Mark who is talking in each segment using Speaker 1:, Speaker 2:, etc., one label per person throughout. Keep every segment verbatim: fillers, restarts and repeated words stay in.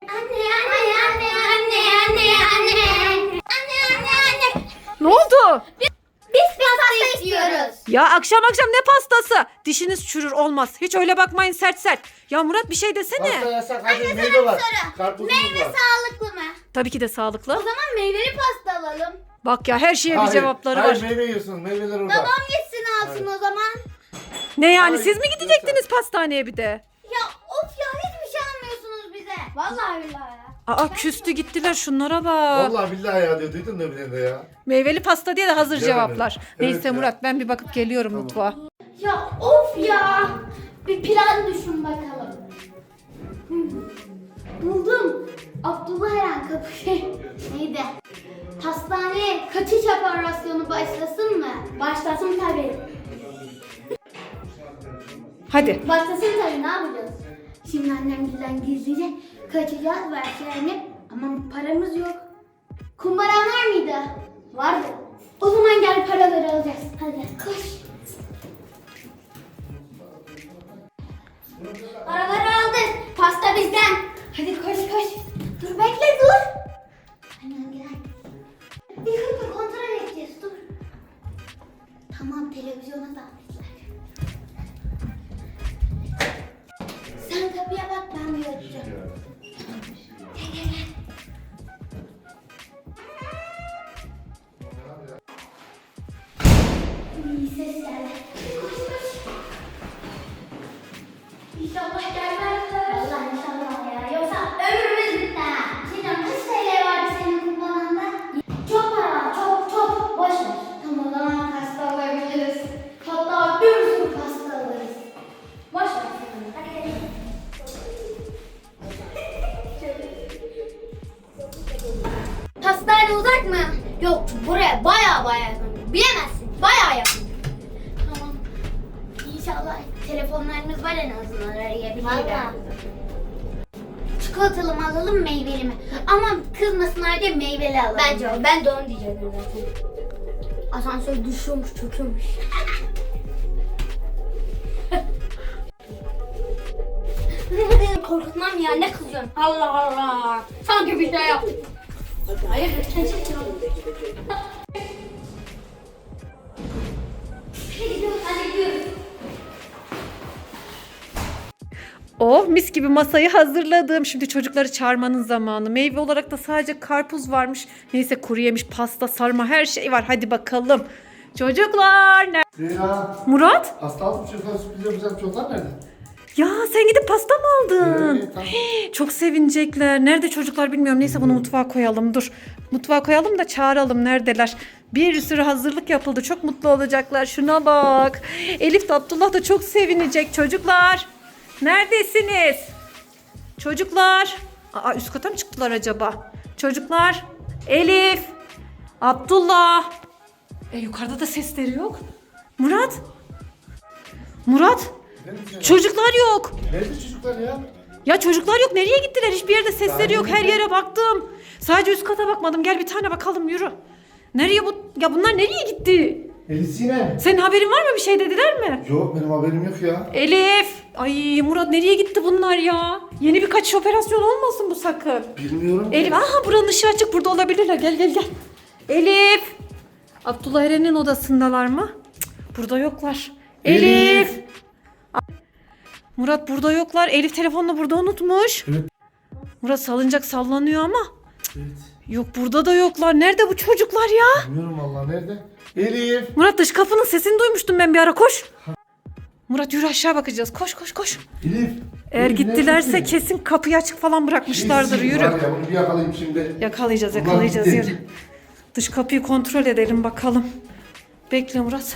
Speaker 1: Anne anne anne anne anne anne. Anne anne anne.
Speaker 2: Ne oldu?
Speaker 1: Biz pasta istiyoruz.
Speaker 2: Ya akşam akşam ne pastası? Dişiniz çürür olmaz. Hiç öyle bakmayın sert sert. Ya Murat bir şey desene.
Speaker 3: Pasta yasak hadi
Speaker 1: Anne,
Speaker 3: meyve
Speaker 1: sana
Speaker 3: var.
Speaker 1: bir soru.
Speaker 3: Karpuzumuz
Speaker 1: Meyve
Speaker 3: var.
Speaker 1: sağlıklı mı?
Speaker 2: Tabii ki de
Speaker 1: O
Speaker 2: sağlıklı.
Speaker 1: zaman meyveli pasta alalım.
Speaker 2: Bak ya her şeye bir
Speaker 3: Hayır,
Speaker 2: cevapları
Speaker 3: hayır,
Speaker 2: var.
Speaker 3: meyve yiyorsunuz. Meyveler orada.
Speaker 1: Babam gitsin alsın o zaman.
Speaker 2: Ne yani
Speaker 3: Hayır,
Speaker 2: siz mi gidecektiniz
Speaker 3: lütfen.
Speaker 2: pastaneye bir de?
Speaker 1: Ya of ya hiçbir şey almıyorsunuz bize. Vallahi billahi ya.
Speaker 2: Aa küstü gittiler şunlara bak.
Speaker 3: Vallahi billahi ya diyor. Duydun mu bir de ya?
Speaker 2: Meyveli pasta diye de hazır
Speaker 3: Bilemedim.
Speaker 2: cevaplar.
Speaker 3: Evet
Speaker 2: Neyse
Speaker 3: ya.
Speaker 2: Murat ben bir bakıp geliyorum
Speaker 3: Tamam.
Speaker 2: mutfağa.
Speaker 1: Ya of ya. Bir plan düşün bakalım. Hmm. Buldum. Abdullah Eren kapı şey neydi? Hastaneye kaçış operasyonu başlasın mı? Başlasın tabii.
Speaker 2: Hadi.
Speaker 1: Başlasın tabii ne yapacağız? Şimdi annemgilden gizlice kaçacağız versiyonu ama paramız yok. Kumbaran var mıydı? Vardı. O zaman gel paraları alacağız. Hadi koş. Paraları aldık. Pasta bizden. Hadi koş koş. Dur bekle dur. Annem gel. Bir dakika kontrol edeceğiz dur. Tamam televizyona davetler. Sen kapıya bak ben bir açacağım. Gel gel gel. İyi ses geldi. Koş koş. İnşallah gelmezler. Vallahi inşallah ya. Yoksa ömrümüz bitti ha. Sinan kaç T L vardı senin kumbaranda? Çok para var. Çok çok. Boş ver. Tamam o zaman pasta alabiliriz. Hatta bir sürü pasta alırız. Boş ver Sinan. Hadi gidelim. Pastane uzak mı? Yok buraya baya baya yakın. Bilemezsin. Baya yakın. Tamam. İnşallah telefonlarımız var en azından arayabiliriz. Çikolatalı mı alalım meyveli mi? Ama kızmasınlar diye meyveli alalım. Bence o. Ben de onu diyecektim zaten. Asansör düşüyormuş, çöküyormuş. Korkutmam ya ne kızıyorsun? Allah Allah. Sanki bir şey yaptık. Hayır, lütfen çek Hadi gidiyoruz, hadi gidiyoruz.
Speaker 2: Oh mis gibi masayı hazırladım. Şimdi çocukları çağırmanın zamanı. Meyve olarak da sadece karpuz varmış. Neyse kuru yemiş, pasta, sarma her şey var. Hadi bakalım. Çocuklar. Ne?
Speaker 3: Ya.
Speaker 2: Murat?
Speaker 3: Pasta aldım çocuklar sürpriz yapacağım. Çocuklar nerede?
Speaker 2: Ya sen gidip pasta mı aldın?
Speaker 3: Evet, tamam.
Speaker 2: Çok sevinecekler. Nerede çocuklar bilmiyorum. Neyse bunu mutfağa koyalım. Dur. Mutfağa koyalım da çağıralım. Neredeler? Bir sürü hazırlık yapıldı. Çok mutlu olacaklar. Şuna bak. Elif de Abdullah da çok sevinecek. Çocuklar. Neredesiniz? Çocuklar. Aa, üst kata mı çıktılar acaba? Çocuklar. Elif. Abdullah. E, yukarıda da sesleri yok. Murat. Murat.
Speaker 3: Nerede?
Speaker 2: Çocuklar yok.
Speaker 3: Nerede çocuklar ya?
Speaker 2: Ya çocuklar yok. Nereye gittiler? Hiçbir yerde sesleri
Speaker 3: Ben
Speaker 2: yok. Her
Speaker 3: de-
Speaker 2: yere baktım. Sadece üst kata bakmadım. Gel bir tane bakalım yürü. Nereye bu? Ya bunlar nereye gitti?
Speaker 3: Elif Sinem.
Speaker 2: Senin haberin var mı? Bir şey dediler mi?
Speaker 3: Yok benim haberim yok ya.
Speaker 2: Elif. Ay Murat nereye gitti bunlar ya? Yeni bir kaçış operasyonu olmasın bu sakın.
Speaker 3: Bilmiyorum. ki.
Speaker 2: Elif aha buranın ışığı açık. Burada olabilirler. Gel gel gel. Elif. Abdullah Eren'in odasındalar mı? Cık, burada yoklar. Elif.
Speaker 3: Elif.
Speaker 2: Murat burada yoklar. Elif telefonunu burada unutmuş.
Speaker 3: Evet.
Speaker 2: Murat salıncak sallanıyor ama.
Speaker 3: Evet.
Speaker 2: Yok burada da yoklar. Nerede bu çocuklar ya?
Speaker 3: Bilmiyorum vallahi nerede? Elif.
Speaker 2: Murat dış kapının sesini duymuştum ben bir ara koş. Murat yürü aşağı bakacağız. Koş koş koş.
Speaker 3: Elif.
Speaker 2: Eğer
Speaker 3: Elif,
Speaker 2: gittilerse
Speaker 3: nerede?
Speaker 2: kesin kapıyı açık falan bırakmışlardır.
Speaker 3: Elif,
Speaker 2: Yürü.
Speaker 3: var ya, bunu bir yakalayayım şimdi.
Speaker 2: Yakalayacağız
Speaker 3: Ulan
Speaker 2: yakalayacağız
Speaker 3: gitti.
Speaker 2: yürü. Dış kapıyı kontrol edelim bakalım. Bekle Murat.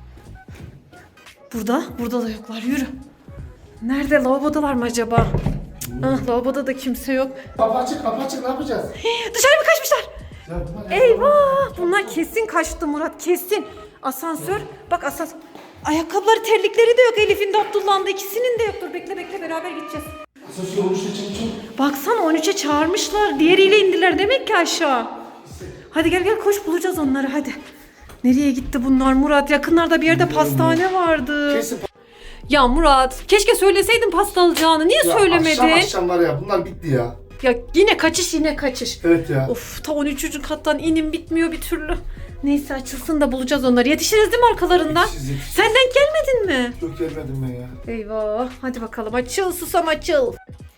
Speaker 2: Burada. Burada da yoklar. Yürü. Nerede? Lavabodalar mı acaba? Ah, lavaboda da kimse yok.
Speaker 3: Kapı açık kapı açık ne yapacağız?
Speaker 2: Dışarı mı kaçmışlar?
Speaker 3: Ya bunlar-
Speaker 2: Eyvah! Bunlar kesin kaçtı Murat kesin. Asansör. Bak asansör. Ayakkabıları terlikleri de yok Elif'in de Abdullah'ın da ikisinin de yoktur. Bekle bekle beraber gideceğiz.
Speaker 3: Asansör olmuş için için.
Speaker 2: Baksana on üçe çağırmışlar. Diğeriyle indiler demek ki aşağı. Hadi gel gel koş bulacağız onları hadi. Nereye gitti bunlar Murat? Yakınlarda bir yerde pastane vardı.
Speaker 3: Kesin.
Speaker 2: Ya Murat keşke söyleseydin pasta alacağını. Niye
Speaker 3: Ya
Speaker 2: söylemedin?
Speaker 3: Akşam akşam var ya bunlar bitti ya.
Speaker 2: Ya yine kaçış yine kaçış.
Speaker 3: Evet ya.
Speaker 2: Of ta on üçüncü kattan inim bitmiyor bir türlü. Neyse açılsın da bulacağız onları. Yetişiriz değil mi arkalarından?
Speaker 3: Yetişiriz, yetişiriz.
Speaker 2: Sen denk gelmedin mi?
Speaker 3: Çok gelmedim ben ya.
Speaker 2: Eyvah. Hadi bakalım açıl susam açıl.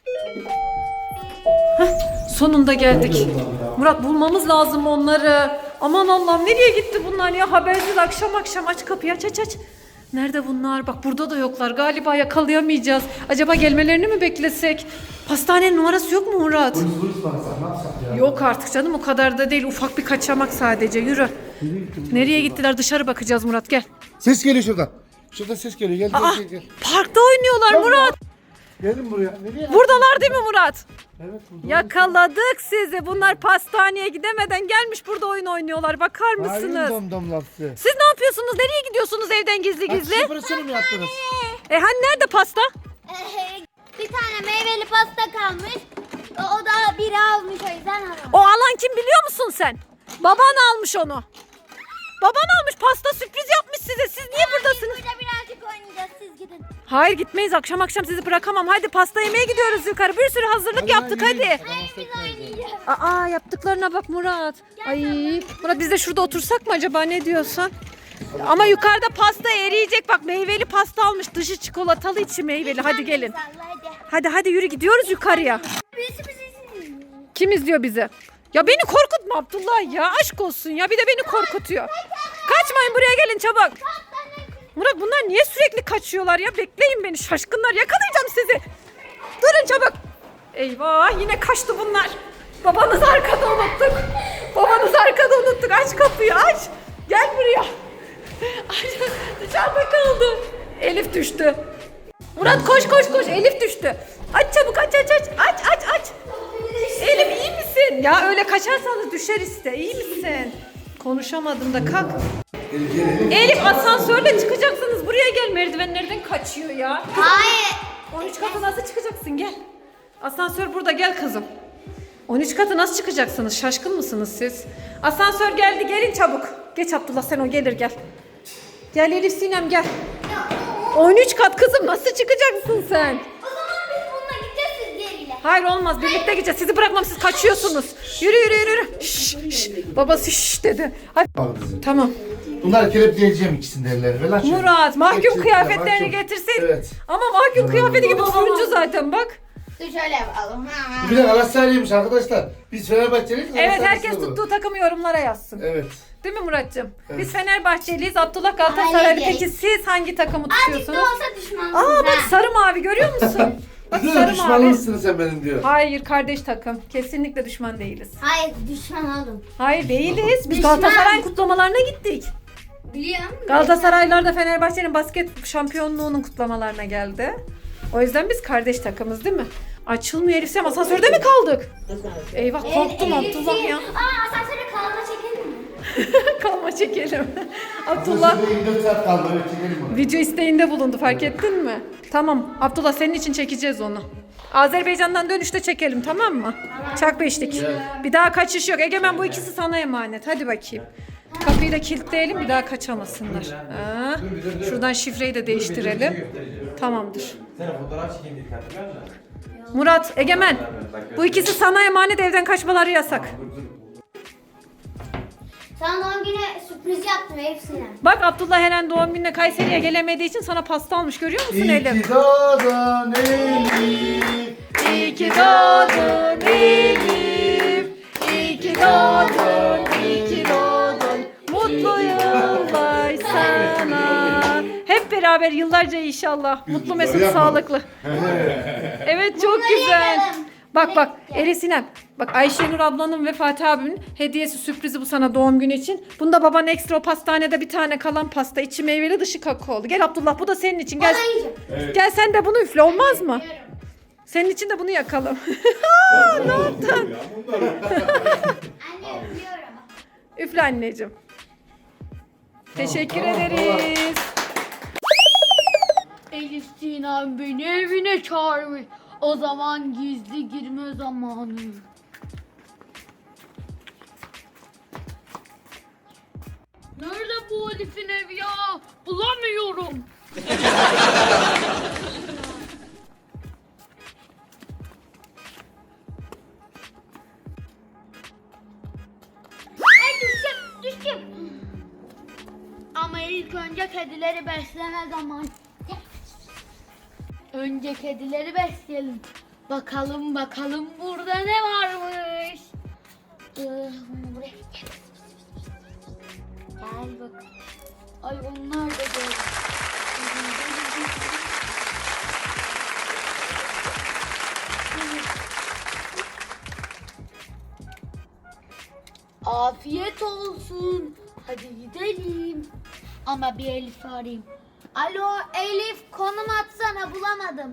Speaker 2: Heh, sonunda geldik. Murat bulmamız lazım onları. Aman Allah'ım nereye gitti bunlar ya? Habersiz akşam akşam aç kapıyı aç aç aç. Nerede bunlar? Bak burada da yoklar. Galiba yakalayamayacağız. Acaba gelmelerini mi beklesek? Pastanenin numarası yok mu Murat?
Speaker 3: Polis polis baksak ne yapsak ya?
Speaker 2: Yok artık canım o kadar da değil. Ufak bir kaçamak sadece. Yürü. Nereye gittiler? Dışarı bakacağız Murat gel.
Speaker 3: Ses geliyor şuradan. Şuradan ses geliyor. Gel gel
Speaker 2: Aa,
Speaker 3: gel. gel.
Speaker 2: parkta oynuyorlar
Speaker 3: Tamam.
Speaker 2: Murat.
Speaker 3: Gelin buraya. Nereye?
Speaker 2: Buradalar değil mi Murat?
Speaker 3: Evet burada.
Speaker 2: Yakaladık sizi. Bunlar pastaneye gidemeden gelmiş burada oyun oynuyorlar. Bakar mısınız?
Speaker 3: Hayır dom dom lafı.
Speaker 2: Siz ne yapıyorsunuz? Nereye gidiyorsunuz evden gizli gizli?
Speaker 3: Kaç operasyonu mu yaptınız?
Speaker 2: E hani nerede pasta?
Speaker 1: Ee, bir tane meyveli pasta kalmış. O, o da biri almış o yüzden almış.
Speaker 2: O alan kim biliyor musun sen? Baban almış onu. Baban almış pasta sürpriz yapmış size. Siz niye buradasınız?
Speaker 1: Burada birazcık oynayacağız siz gidin.
Speaker 2: Hayır gitmeyiz. Akşam akşam sizi bırakamam. Hadi pasta yemeye gidiyoruz yukarı. Bir sürü hazırlık yaptık hadi.
Speaker 1: Hayır biz oynayacağız.
Speaker 2: Aa yaptıklarına bak Murat. Ay Murat biz de şurada otursak mı acaba ne diyorsun? Ama yukarıda pasta eriyecek. Bak meyveli pasta almış. Dışı çikolatalı içi meyveli. Hadi gelin.
Speaker 1: Salla hadi.
Speaker 2: Hadi hadi yürü gidiyoruz yukarıya.
Speaker 1: Birisi bizi izliyor.
Speaker 2: Kim izliyor bizi? Ya beni korkutma Abdullah ya. Aşk olsun ya. Bir de beni korkutuyor. Kaçmayın buraya gelin çabuk. Murat bunlar niye sürekli kaçıyorlar ya? Bekleyin beni şaşkınlar. Yakalayacağım sizi. Durun çabuk. Eyvah yine kaçtı bunlar. Babanızı arkada unuttuk. Babanızı arkada unuttuk. Aç kapıyı aç. Gel buraya. Ay, dışarıda kaldı. Elif düştü. Murat koş koş koş. Elif düştü. Aç çabuk aç aç aç. Aç aç aç. Elif iyi misin? Ya öyle kaçarsanız düşer işte. İyi misin? Konuşamadım da kalk.
Speaker 3: Elif gel Elif.
Speaker 2: Elif asansörle çıkacaksınız. Buraya gel. Merdivenlerden kaçıyor ya.
Speaker 1: Hayır.
Speaker 2: on üç katı nasıl çıkacaksın? Gel. Asansör burada gel kızım. on üç katı nasıl çıkacaksınız? Şaşkın mısınız siz? Asansör geldi gelin çabuk. Geç Abdullah sen o gelir gel. Gel Elif Sinem gel. on üç kat kızım nasıl çıkacaksın sen?
Speaker 1: O zaman biz bununla gideceğiz siz diğeriyle.
Speaker 2: Hayır olmaz birlikte gideceğiz. Sizi bırakmam siz kaçıyorsunuz. Yürü yürü yürü. yürü. Şş, şş. Babası şş dedi. Hadi.
Speaker 3: Al kızım.
Speaker 2: Tamam.
Speaker 3: Bunları kelepçeleyeceğim ikisini de ellerine. Ver lan şöyle.
Speaker 2: Murat mahkum
Speaker 3: Mahkum,
Speaker 2: kıyafetlerini
Speaker 3: mahkum.
Speaker 2: getirsin.
Speaker 3: Evet.
Speaker 2: Ama mahkum kıyafeti gibi turuncu zaten bak.
Speaker 1: Dur şöyle yapalım.
Speaker 3: Bu bir de Galatasaraylıymış arkadaşlar. Biz Fenerbahçeliyiz.
Speaker 2: Evet
Speaker 3: Galatasaraylısı
Speaker 2: herkes
Speaker 3: bu.
Speaker 2: tuttuğu takımı yorumlara yazsın.
Speaker 3: Evet.
Speaker 2: Değil mi Muratcığım?
Speaker 3: Evet.
Speaker 2: Biz Fenerbahçeliyiz. Abdullah Galatasaraylı.
Speaker 1: Hayır.
Speaker 2: Peki siz hangi takımı
Speaker 1: Azıcık da
Speaker 2: tutuyorsunuz?
Speaker 1: olsa düşmansınız
Speaker 2: Aa bak
Speaker 1: ha.
Speaker 2: sarı mavi görüyor musun? Bak
Speaker 3: Bize de
Speaker 2: sarı
Speaker 3: düşman
Speaker 2: mavi.
Speaker 3: mısın sen benim diyor.
Speaker 2: Hayır kardeş takım. Kesinlikle düşman değiliz.
Speaker 1: Hayır düşman oğlum.
Speaker 2: Hayır değiliz. Biz
Speaker 1: Düşman.
Speaker 2: Galatasaray kutlamalarına gittik.
Speaker 1: Biliyor musun?
Speaker 2: Galatasaraylar da Fenerbahçe'nin basket şampiyonluğunun kutlamalarına geldi. O yüzden biz kardeş takımız değil mi? Açılmıyor Elif Sinem. Asansörde mi kaldık? Eyvah korktum Abdullah ya.
Speaker 1: Aa asansöre kalma çekelim mi?
Speaker 2: Kalma çekelim. Abdullah
Speaker 3: Aslında yirmi dört saat kaldı. Evet çekelim onu.
Speaker 2: video isteğinde bulundu fark ettin mi? Tamam Abdullah senin için çekeceğiz onu. Azerbaycan'dan dönüşte çekelim tamam mı? Çak beşlik. Bir daha kaçış yok. Egemen bu ikisi sana emanet. Hadi bakayım. Kapıyı da kilitleyelim bir daha kaçamasınlar. Ha. Şuradan şifreyi de değiştirelim. Tamamdır.
Speaker 4: Sen fotoğraf çekeyim dedik hatırlıyor musun?
Speaker 2: Murat, Egemen. Bu ikisi sana emanet evden kaçmaları yasak.
Speaker 1: Sana doğum günü sürpriz yaptım hepsine.
Speaker 2: Bak Abdullah Eren doğum gününe Kayseri'ye gelemediği için sana pasta almış görüyor musun
Speaker 3: İyi
Speaker 2: Elif?
Speaker 3: ki doğdun Elif.
Speaker 2: İyi ki doğdun Elif. İyi ki doğdun, iyi ki doğdun. Mutlu yıllar sana. Hep beraber yıllarca inşallah. Mutlu mesut
Speaker 3: yapma.
Speaker 2: sağlıklı. Evet çok güzel.
Speaker 1: yapalım.
Speaker 2: Bak bak Elif Sinem. Bak Ayşenur ablanın ve Fatih abimin hediyesi sürprizi bu sana doğum günü için. Bunda baban ekstra o pastanede bir tane kalan pasta. İçi meyveli dışı kakaolu. Gel Abdullah bu da senin için. Gel,
Speaker 1: Bana yiyeceğim.
Speaker 2: gel sen de bunu üfle olmaz mı? Senin için de bunu yakalım. Ne yaptın?
Speaker 1: Anne öpüyorum.
Speaker 2: Üfle anneciğim. Teşekkür ederiz.
Speaker 5: Elif Sinem beni evine çağırmış. O zaman gizli girme zamanı. Nerede bu Elif'in evi ya? Bulamıyorum. Elif'ciğim. Ama ilk önce kedileri besleme zamanı. Önce kedileri besleyelim. Bakalım bakalım burada ne varmış. Ee, buraya gel. Gel bak. Ay onlar da böyle. Afiyet olsun. Hadi gidelim. Ama bir Elif'i arayayım. Alo Elif, konum atsana, bulamadım.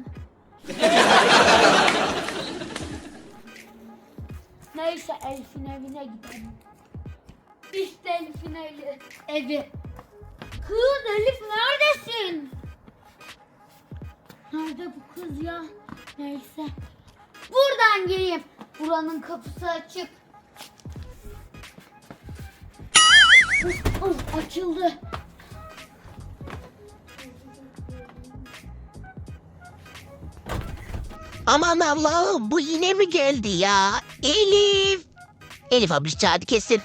Speaker 5: Neyse Elif'in evine gidelim. İşte Elif'in evi. evi. Kız Elif neredesin? Nerede bu kız ya? Neyse. Buradan gireyim. Buranın kapısı açık. Oh, açıldı.
Speaker 6: Aman Allah'ım bu yine mi geldi ya? Elif. Elif abi çağırdı kesin.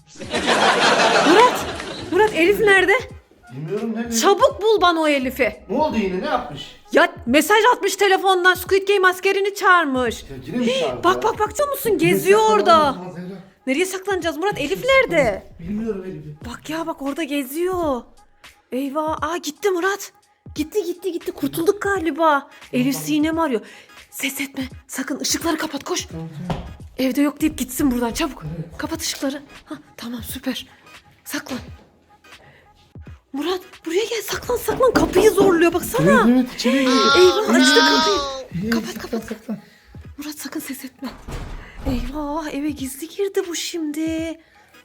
Speaker 2: Murat! Murat Elif nerede?
Speaker 3: Bilmiyorum ne bileyim.
Speaker 2: Çabuk bul bana o Elif'i.
Speaker 3: Ne oldu yine ne yapmış?
Speaker 2: Ya mesaj atmış telefondan, Squid Game askerini çağırmış.
Speaker 3: Ya yine mi çağırdı
Speaker 2: Bak
Speaker 3: ya?
Speaker 2: bak bak biliyor musun?
Speaker 3: Yine
Speaker 2: Geziyor
Speaker 3: saklanalım
Speaker 2: orada.
Speaker 3: o zaman Zehra.
Speaker 2: Nereye saklanacağız Murat? Elif nerede?
Speaker 3: Bilmiyorum Elif'i.
Speaker 2: Bak ya bak orada geziyor. Eyvah. Aa gitti Murat. Gitti gitti gitti. Kurtulduk galiba. Elif Sinem arıyor. Ses etme. Sakın ışıkları kapat koş.
Speaker 3: Tamam, tamam.
Speaker 2: Evde yok deyip gitsin buradan çabuk. Kapat ışıkları. Hah, tamam süper. Saklan. Murat buraya gel, saklan saklan. Kapıyı zorluyor baksana.
Speaker 3: Evet evet içeri gir.
Speaker 2: Eyvah açtı kapıyı.
Speaker 3: İyi,
Speaker 2: Kapat,
Speaker 3: saklan,
Speaker 2: kapat.
Speaker 3: saklan.
Speaker 2: Murat sakın ses etme. Eyvah eve gizli girdi bu şimdi.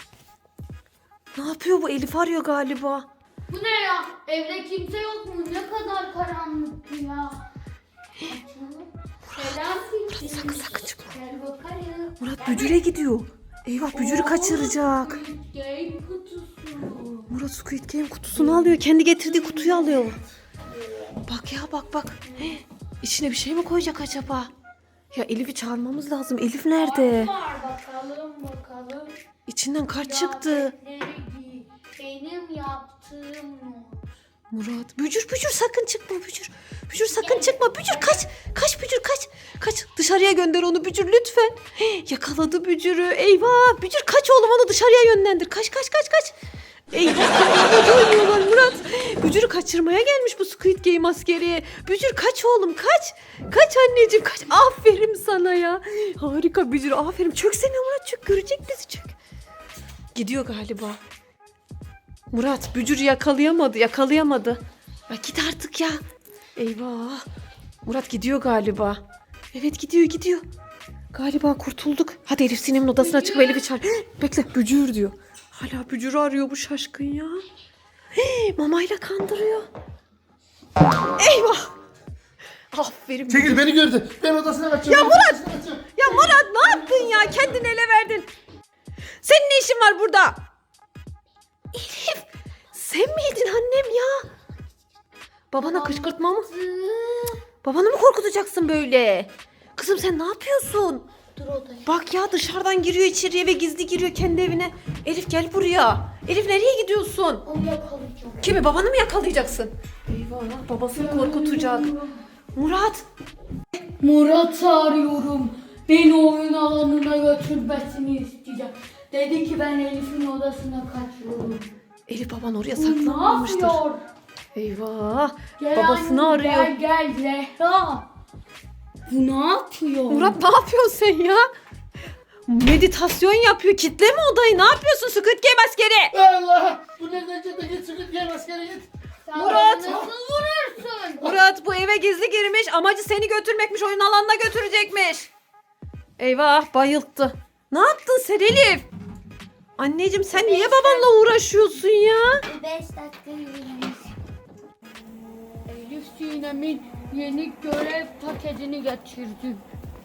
Speaker 2: Ne yapıyor bu? Elif arıyor galiba.
Speaker 5: Bu ne ya? Evde kimse yok mu? Ne kadar karanlık ya. Açalım. Selam Fikri.
Speaker 2: sakın, sakın çıkma.
Speaker 5: Gel bakalım.
Speaker 2: Murat bücüre gidiyor. Eyvah bücürü kaçıracak.
Speaker 5: Game kutusu.
Speaker 2: Murat Squid Game kutusunu alıyor. Kendi getirdiği kutuyu alıyor. Bak ya bak bak. He, içine bir şey mi koyacak acaba? Ya Elif'i çağırmamız lazım. Elif nerede?
Speaker 5: Var bakalım bakalım.
Speaker 2: İçinden kart çıktı.
Speaker 5: Kıyafetleri giy. Benim yaptığım not.
Speaker 2: Murat bücür bücür sakın çıkma bücür. Bücür sakın çıkma bücür kaç. Kaç bücür kaç. Kaç dışarıya gönder onu bücür lütfen. He, yakaladı bücürü. Eyvah bücür kaç oğlum, onu dışarıya yönlendir. Kaç kaç kaç kaç. Eyvah oynuyorlar Murat. Bücürü kaçırmaya gelmiş bu Squid Game askeri. Bücür kaç oğlum kaç. Kaç anneciğim kaç. Aferin sana ya. Harika Bücür aferin. Çöksene Murat çök, görecek bizi çök. Gidiyor galiba. Murat Bücür'ü yakalayamadı yakalayamadı. Ya git artık ya. Eyvah. Murat gidiyor galiba. Evet gidiyor gidiyor. Galiba kurtulduk. Hadi Elif Sinem'in odasına çık ve Elif'i çağır. Bekle Bücür diyor. Hala Bücür'ü arıyor bu şaşkın ya. Hii, mamayla kandırıyor. Eyvah. Aferin.
Speaker 3: Çekil beni gördü. Ben odasına kaçıyorum.
Speaker 2: Ya Murat!
Speaker 3: Odasına kaçıyorum.
Speaker 2: Ya Murat ne yaptın ya? Kendini ele verdin. Senin ne işin var burada? Elif sen miydin annem ya? Babana kışkırtma mı? Babanı mı korkutacaksın böyle? Kızım sen ne yapıyorsun?
Speaker 5: Dur odaya.
Speaker 2: Bak ya dışarıdan giriyor içeriye ve gizli giriyor kendi evine. Elif gel buraya. Elif nereye gidiyorsun?
Speaker 5: Onu yakalayacağım.
Speaker 2: Kimi, babanı mı yakalayacaksın? Eyvah babasını korkutacak. Murat.
Speaker 5: Murat'ı arıyorum. Beni oyun alanına götürmesini isteyeceğim. Dedi ki ben Elif'in odasına kaçıyorum.
Speaker 2: Elif baban oraya
Speaker 5: Bu ne
Speaker 2: saklanmamıştır.
Speaker 5: yapıyor?
Speaker 2: Eyvah.
Speaker 5: Gel
Speaker 2: Babasını
Speaker 5: anne,
Speaker 2: arıyor.
Speaker 5: Gel gel Zehra. Bu ne yapıyor?
Speaker 2: Murat ne yapıyorsun sen ya? Meditasyon yapıyor. Kitleme odayı. Ne yapıyorsun Squid Game askeri?
Speaker 3: Allah! Bu nereden çıktı? Git Squid Game askeri git.
Speaker 5: Sen
Speaker 2: Murat!
Speaker 5: beni nasıl vurursun?
Speaker 2: Murat bu eve gizli girmiş. Amacı seni götürmekmiş. Oyun alanına götürecekmiş. Eyvah bayılttı. Ne yaptın sen Elif? Anneciğim sen niye babanla uğraşıyorsun ya?
Speaker 1: Beş dakika yürüyün.
Speaker 5: Elif Sinem'in yeni görev paketini getirdim.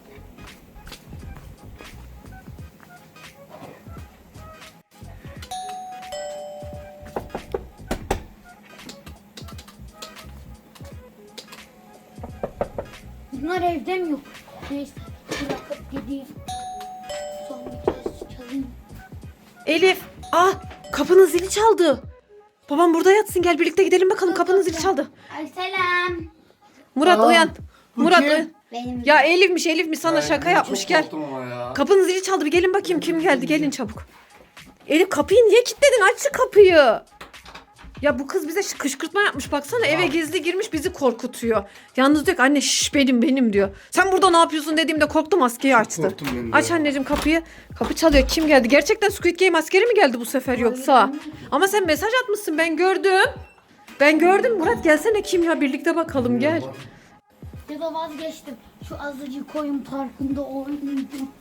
Speaker 5: Bunlar evde mi yok? Neyse bırakıp gideyim. Son bir kez çalayım.
Speaker 2: Elif. Ah kapının zili çaldı. Babam burada yatsın, gel birlikte gidelim bakalım, kapının zili çaldı.
Speaker 1: Ay selam.
Speaker 2: Murat
Speaker 3: Aa,
Speaker 2: uyan.
Speaker 3: bu
Speaker 2: Murat
Speaker 3: kim?
Speaker 2: uyan.
Speaker 1: Benim.
Speaker 2: Ya Elif'miş Elif'miş sana
Speaker 3: Ben
Speaker 2: şaka
Speaker 3: çok
Speaker 2: yapmış, gel.
Speaker 3: korktum ama ya.
Speaker 2: Kapının zili çaldı, bir gelin bakayım kim geldi, gelin çabuk. Elif kapıyı niye kilitledin, aç şu kapıyı. Ya bu kız bize ş- kışkırtma yapmış baksana, eve gizli girmiş bizi korkutuyor. Yalnız diyor ki anne şş benim benim diyor. Sen burada ne yapıyorsun dediğimde korktu, maskeyi açtı.
Speaker 3: Korktum ben de
Speaker 2: Aç
Speaker 3: ya.
Speaker 2: anneciğim kapıyı. Kapı çalıyor, kim geldi? Gerçekten Squid Game askeri mi geldi bu sefer yoksa? Ama sen mesaj atmışsın, ben gördüm. Ben gördüm. Murat gelsene, kim ya, birlikte bakalım gel.
Speaker 1: Ya da vazgeçtim. Şu azıcık koyun parkında oynayacağım.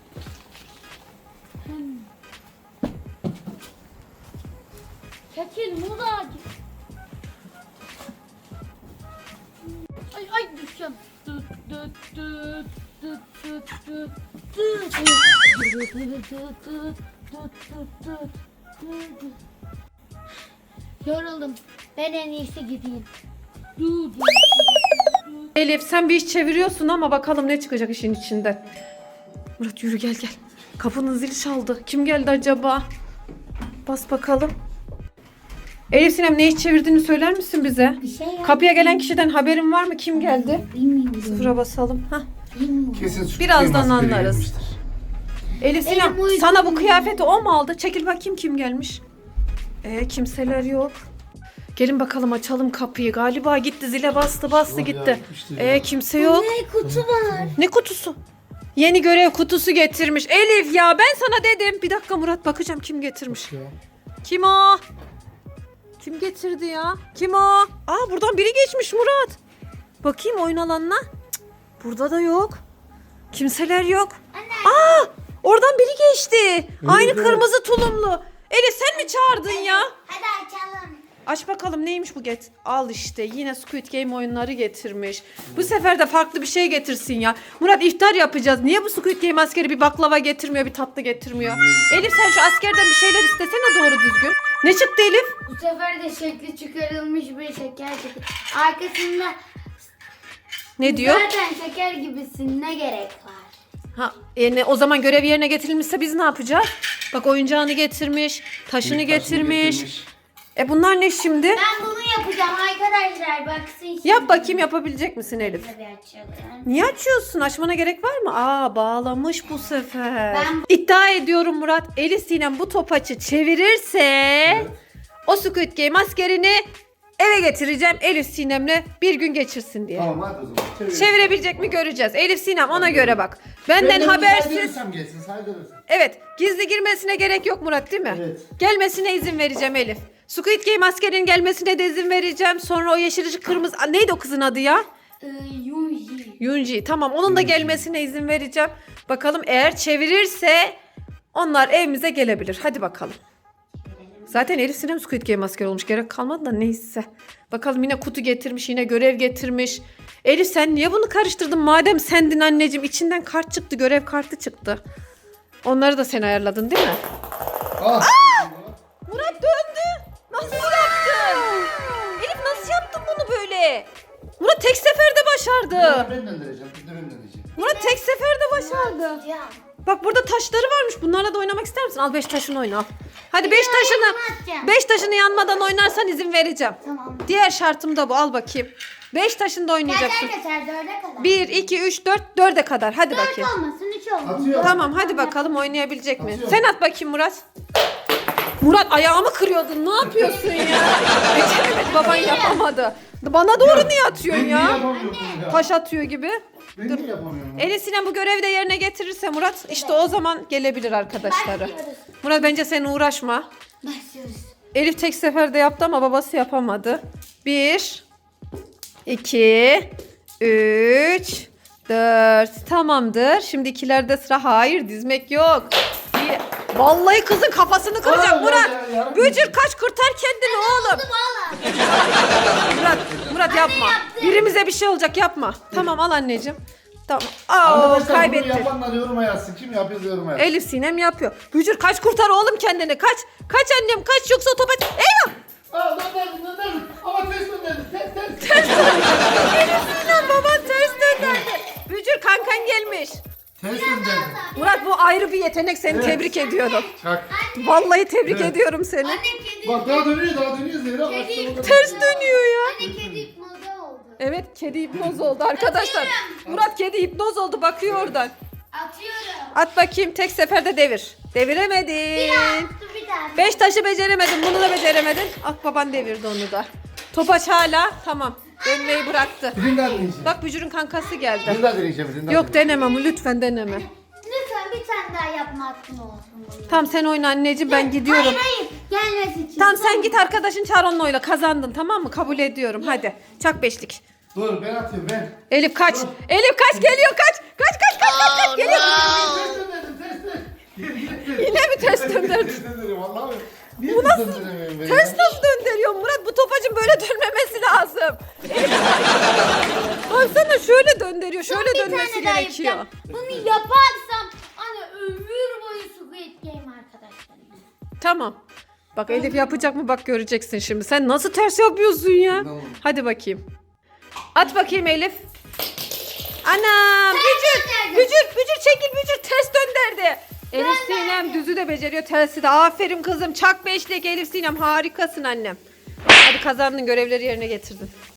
Speaker 1: Hmm. Çekil Murat. Ay ay düşeceğim. Tut tut tut tut tut tut tut. Tut, tut, tut, tut, tut, tut, tut. Yoruldum. Ben en iyisi gideyim. Tut, tut.
Speaker 2: Elif sen bir iş çeviriyorsun ama bakalım ne çıkacak işin içinden. Murat yürü gel gel. Kapının zili çaldı. Kim geldi acaba? Bas bakalım. Elif Sinem ne iş çevirdiğini söyler misin bize?
Speaker 1: Bir şey yap.
Speaker 2: Kapıya gelen kişiden haberin var mı? Kim geldi?
Speaker 1: Bilmiyorum.
Speaker 2: Sıfıra basalım. Hah.
Speaker 1: Bilmiyorum.
Speaker 3: Kesin Squid
Speaker 2: Birazdan
Speaker 3: Game askeri
Speaker 2: anlarız.
Speaker 3: gelmiştir.
Speaker 2: Elif Sinem
Speaker 1: Elim uygun.
Speaker 2: sana bu kıyafeti o mu aldı? Çekil bakayım kim gelmiş. Ee, kimseler yok. Gelin bakalım açalım kapıyı. Galiba gitti, zile bastı bastı
Speaker 3: Yok ya,
Speaker 2: gitti.
Speaker 3: gitmiştir
Speaker 2: Ee,
Speaker 3: ya.
Speaker 2: kimse yok.
Speaker 1: Ne kutu var?
Speaker 2: Ne kutusu? Yeni görev kutusu getirmiş. Elif ya ben sana dedim. Bir dakika Murat, bakacağım kim getirmiş.
Speaker 3: Ya.
Speaker 2: Kim o? Kim getirdi ya? Kim o? Aa buradan biri geçmiş Murat. Bakayım oyun alanına. Cık, burada da yok. Kimseler yok. Aa oradan biri geçti. Aynı
Speaker 3: evet.
Speaker 2: kırmızı tulumlu. Elif sen mi çağırdın ya?
Speaker 1: Hadi açalım.
Speaker 2: Aç bakalım neymiş bu get. Al işte yine Squid Game oyunları getirmiş. Bu sefer de farklı bir şey getirsin ya. Murat iftar yapacağız. Niye bu Squid Game askeri bir baklava getirmiyor, bir tatlı getirmiyor? Elif sen şu askerden bir şeyler istesene doğru düzgün. Ne çıktı Elif?
Speaker 1: Bu sefer de şekli çıkarılmış bir şeker çıktı. Arkasında
Speaker 2: Ne diyor?
Speaker 1: zaten şeker gibisin, ne gerek var?
Speaker 2: Ha, yani o zaman görev yerine getirilmişse biz ne yapacağız? Bak oyuncağını getirmiş, taşını
Speaker 3: Büyük taşını
Speaker 2: getirmiş. E bunlar ne şimdi?
Speaker 1: Ben bunu yapacağım arkadaşlar, baksın şimdi.
Speaker 2: Yap bakayım, yapabilecek misin Elif?
Speaker 1: Tabii açalım.
Speaker 2: Niye açıyorsun? Açmana gerek var mı? Aa bağlamış bu sefer.
Speaker 1: Ben-
Speaker 2: İddia ediyorum Murat, Elif Sinem bu topaçı çevirirse o Squid Game askerini eve getireceğim, Elif Sinem'le bir gün geçirsin diye.
Speaker 3: Tamam hadi o zaman. Çevir.
Speaker 2: Çevirebilecek mi göreceğiz. Elif Sinem ona göre bak.
Speaker 3: Ben
Speaker 2: Benden
Speaker 3: de
Speaker 2: habersiz.
Speaker 3: saydırırsam gelsin saydırırsam.
Speaker 2: Evet, gizli girmesine gerek yok Murat değil mi?
Speaker 3: Evet.
Speaker 2: Gelmesine izin vereceğim Elif. Squid Game askerinin gelmesine de izin vereceğim. Sonra o yeşil ışık kırmızı... Aa, neydi o kızın adı ya?
Speaker 1: Ee, Yunji.
Speaker 2: Yunji. Tamam onun da gelmesine izin vereceğim. Bakalım eğer çevirirse onlar evimize gelebilir. Hadi bakalım. Zaten Elif Sinem Squid Game askeri olmuş. Gerek kalmadı da neyse. Bakalım yine kutu getirmiş, yine görev getirmiş. Elif sen niye bunu karıştırdın? Madem sendin anneciğim, içinden kart çıktı, görev kartı çıktı. Onları da sen ayarladın değil mi?
Speaker 3: Ah.
Speaker 2: Murat döndü. Nasıl yaptın? Elif nasıl yaptın bunu böyle? Murat tek seferde başardı.
Speaker 3: Ben döndüreceğim. Bir de ben döndüreceğim.
Speaker 2: Murat tek seferde başardı.
Speaker 1: Ya.
Speaker 2: Bak burada taşları varmış. Bunlarla da oynamak ister misin? Al beş taşını oyna al. Hadi beş taşını.
Speaker 1: atacağım.
Speaker 2: Beş taşını yanmadan oynarsan izin vereceğim.
Speaker 1: Tamam.
Speaker 2: Diğer şartım da bu. Al bakayım. Beş taşında oynayacaksın.
Speaker 1: Kaçar kaçar, dörde kadar.
Speaker 2: Bir, iki, üç, dört, dörde kadar. Hadi
Speaker 1: Dört
Speaker 2: bakayım.
Speaker 1: olmasın, üç olmasın.
Speaker 3: Atıyor.
Speaker 2: Tamam hadi bakalım oynayabilecek mi?
Speaker 3: Atıyorum.
Speaker 2: Sen at bakayım Murat. Murat ayağımı kırıyordun. Ne yapıyorsun ya? Beceremedi, baban yapamadı. Bana doğru niye atıyorsun
Speaker 3: Ben niye
Speaker 2: ya?
Speaker 3: yapamıyorum bunu ya?
Speaker 2: Taş atıyor gibi.
Speaker 3: Ben niye yapamıyorum?
Speaker 2: Elif Sinem bu görevi de yerine getirirse Murat işte o zaman gelebilir arkadaşları.
Speaker 1: Başlıyoruz.
Speaker 2: Murat bence sen uğraşma.
Speaker 1: Başlıyoruz.
Speaker 2: Elif tek seferde yaptı ama babası yapamadı. Bir, iki, üç, dört. Tamamdır. Şimdi ikilerde sıra. Hayır dizmek yok. Bir... Vallahi kızın kafasını kıracak
Speaker 3: Aa,
Speaker 2: Murat.
Speaker 3: ya, ya, ya.
Speaker 2: Bücür kaç, kurtar kendini oğlum. Murat, Murat yapma.
Speaker 1: yaptım.
Speaker 2: Birimize bir şey olacak, yapma. Tamam al anneciğim. Tamam. Aa
Speaker 3: Arkadaşlar bunu
Speaker 2: kaybetti.
Speaker 3: yapanlar yoruma yazsın. Kim yapıyor yoruma yazsın.
Speaker 2: Elif Sinem yapıyor. Bücür kaç, kurtar oğlum kendini. Kaç. Kaç annem kaç, yoksa topa... Eyvah.
Speaker 3: Aa dönderdim dönderdim. Ama ters dönderdim. Ters ters.
Speaker 2: Elif Sinem baban ters döndürdü. Bücür kankan gelmiş.
Speaker 3: Ters dönderdim.
Speaker 2: Murat bu ayrı bir yetenek, seni
Speaker 3: Evet.
Speaker 2: tebrik ediyorum.
Speaker 3: Çak.
Speaker 1: Hadi
Speaker 2: Vallahi tebrik
Speaker 3: Evet.
Speaker 2: ediyorum seni.
Speaker 1: Anne kedi.
Speaker 3: Bak daha dönüyor daha dönüyor Zehra.
Speaker 1: Kedi-
Speaker 3: Başlama kadar.
Speaker 2: Ters dönüyor ya.
Speaker 1: Anne kedi hipnoza oldu.
Speaker 2: Evet, kedi hipnoz oldu arkadaşlar. Murat kedi hipnoz oldu, bakıyor oradan.
Speaker 1: Atıyorum.
Speaker 2: At bakayım, tek seferde devir. Deviremedin.
Speaker 1: Dur bir daha.
Speaker 2: Beş taşı beceremedin, bunu da beceremedin. At baban devirdi onu da. Topaç hala tamam. Dönmeyi bıraktı.
Speaker 3: Birini daha deneyeceğim.
Speaker 2: Bak Bücür'ün kankası geldi.
Speaker 3: Birini daha deneyeceğim. Birini daha
Speaker 2: Yok deneme ama lütfen deneme.
Speaker 1: Lütfen bir tane daha yapma hakkın olsun. bunun.
Speaker 2: Tamam sen oyna anneciğim, ben gidiyorum.
Speaker 1: Hayır hayır. Gelmesi için.
Speaker 2: Tamam sen git arkadaşın çağır onunla oyna, kazandın tamam mı? Kabul ediyorum hadi. Çak beşlik.
Speaker 3: Dur ben atıyorum ben.
Speaker 2: Elif kaç. Elif kaç geliyor kaç. Kaç kaç kaç kaç kaç geliyor.
Speaker 3: Ters döndürdüm ters dön.
Speaker 2: Yine mi ters döndürdün?
Speaker 3: Ters döndürüyorum vallahi. Niye
Speaker 2: Bu
Speaker 3: ters
Speaker 2: nasıl-
Speaker 3: döndüremiyorum ben
Speaker 2: Ters
Speaker 3: ya?
Speaker 2: nasıl döndürüyor Murat? Bu topacın böyle dönmemesi lazım. Baksana şöyle döndürüyor. Şöyle
Speaker 1: Bir
Speaker 2: dönmesi
Speaker 1: tane daha
Speaker 2: gerekiyor.
Speaker 1: yapacağım. Bunu yaparsam anne ömür boyu Squid Game arkadaşlar.
Speaker 2: Tamam. Bak Elif yapacak mı bak göreceksin şimdi. Sen nasıl ters yapıyorsun ya?
Speaker 3: Tamam.
Speaker 2: Hadi bakayım. At bakayım Elif. Anam. Bücür.
Speaker 1: döndürdüm.
Speaker 2: Bücür. Bücür çekil Bücür. Ters döndürdü. Elif Sinem düzü de beceriyor. Tersi de. Aferin kızım. Çak beşlik Elif Sinem. Harikasın annem. Hadi kazandın, görevleri yerine getirdin.